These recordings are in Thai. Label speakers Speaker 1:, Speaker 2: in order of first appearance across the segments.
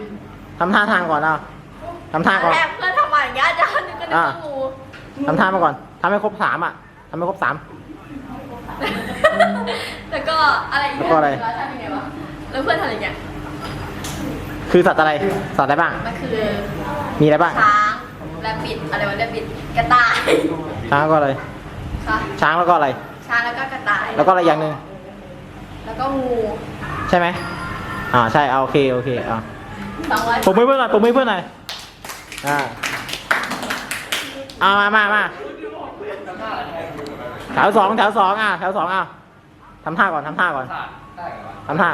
Speaker 1: ทำท่าทางก่อนเอาทำท่าก่อน
Speaker 2: แรกเพื่อนทำมาอย่างเงี้ยจะนึกก็นึกว่างู
Speaker 1: ทำท่ามาก่อนทำให้ครบ3อ่ะทำให้ครบ3
Speaker 2: แล้วก็อะไรอีก
Speaker 1: แล้วก็อะไร
Speaker 2: ทำยังไงวะแล้วเพื่อนทำอย่างเงี้ย
Speaker 1: คือสัตว์อะไรสัตว์อะไรบ้าง
Speaker 2: มันคือ
Speaker 1: มีอะไรบ้าง
Speaker 2: ช้างแรบบิทอะไรวะแรบบิทกระต่าย
Speaker 1: ช้างแล้วก็อะไร
Speaker 2: ค่ะ
Speaker 1: ช้างแล้วก็อะไร
Speaker 2: ช้างแล้วก็กระต่าย
Speaker 1: แล้วก็อะไรอย่างหนึ่ง
Speaker 2: แล้วก็งู
Speaker 1: ใช่ไหมใช่เอาโอเคเอา
Speaker 2: 200
Speaker 1: ผมไม่เพื่อนหน่อยผมไม่เพื่อนหน่อยเอามาแถวสองแถวสองทำท่าก่อนทำท่าก่อนทำท่า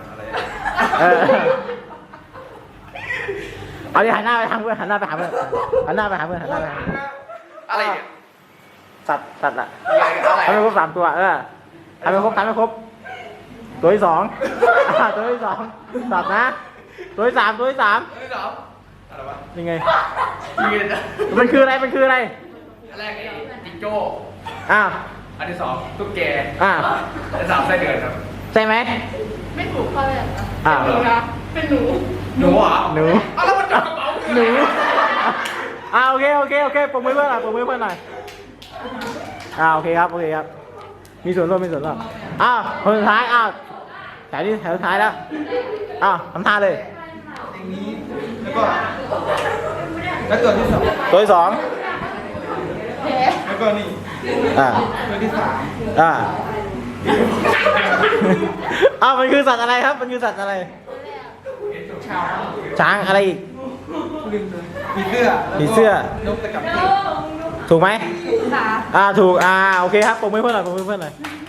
Speaker 1: เอาดิหันหน้าไปทางเพื่อนหันหน้าไปหาเพื่อนหันหน้าไปหาเพื่อนหันหน้าไปหาเพื่อน
Speaker 3: อะไรเนี่ย
Speaker 1: สัตว์อะ
Speaker 3: อะไร
Speaker 1: ทำให้ครบ3ตัวทำให้ครบตัวที่ 2ตัวที่ 2สัตว์นะตัวที่ 3
Speaker 3: เฮ้ยเหรออะไรวะ
Speaker 1: ยังไง
Speaker 3: ยืน
Speaker 1: มันคืออะไรมันคืออะไร
Speaker 3: อันแรกไอ้จิงโจ้
Speaker 1: อ้าว
Speaker 3: อันที่2ตุ๊กแก
Speaker 1: อ้าว
Speaker 3: อันที่3ไส้เดือนครับ
Speaker 1: ใช่ไหม
Speaker 2: ไม่ถูกข้อเลยเหรอ
Speaker 1: อ้าว
Speaker 2: เป็นหนู
Speaker 3: หนูเหรอ
Speaker 1: หนู
Speaker 3: เอาแล้วมันจับกระเป๋า
Speaker 1: หนูโอเคปมมือเพื่อนหน่อยปมมือเพื่อนหน่อยโอเคครับมีส่วนร่วมคนสุดท้ายแถวสุดท้ายแล้วทำท่าเลย
Speaker 3: อย่างนี้แล้วตัวที่2
Speaker 1: ตัวที่ 2
Speaker 3: แล้วก็นี่ ตัวที่3
Speaker 1: มันคือสัตว์อะไรครับมันคือสัตว์อะไร ช้างอะไรอีก
Speaker 3: ผีเสื้อ
Speaker 1: ผีเสื้อ
Speaker 3: นกตะกับ
Speaker 1: ถูกไหม
Speaker 2: ค่ะ
Speaker 1: ถูกโอเคครับปมมือเพื่อนหน่อย